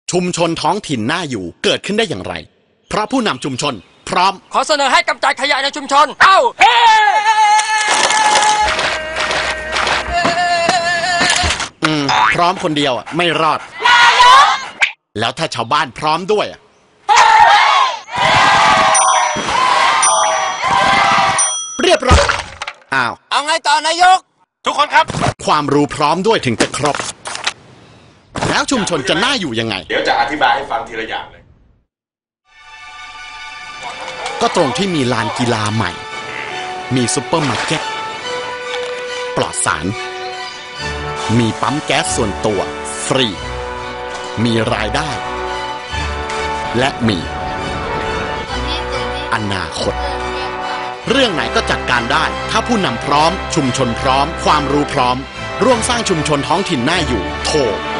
ชุมชนท้องถิ่นน่าอยู่เกิดขึ้นได้อย่างไรเพราะผู้นำชุมชนพร้อมขอเสนอให้กำจัดขยะในชุมชนเอ้าพร้อมคนเดียวไม่รอดแล้วถ้าชาวบ้านพร้อมด้วยเรียบร้อยเอาไงต่อนายกทุกคนครับความรู้พร้อมด้วยถึงจะครบแล้วชุมชนจะน่าอยู่ยังไงเดี๋ยวจะอธิบายให้ฟังทีละอย่างเลยก็ตรงที่มีลานกีฬาใหม่มีซุปเปอร์มาร์เก็ตปลอดสารมีปั๊มแก๊สส่วนตัวฟรีมีรายได้และมีอนาคตเรื่องไหนก็จัดการได้ถ้าผู้นำพร้อมชุมชนพร้อมความรู้พร้อมร่วมสร้างชุมชนท้องถิ่นน่าอยู่โทร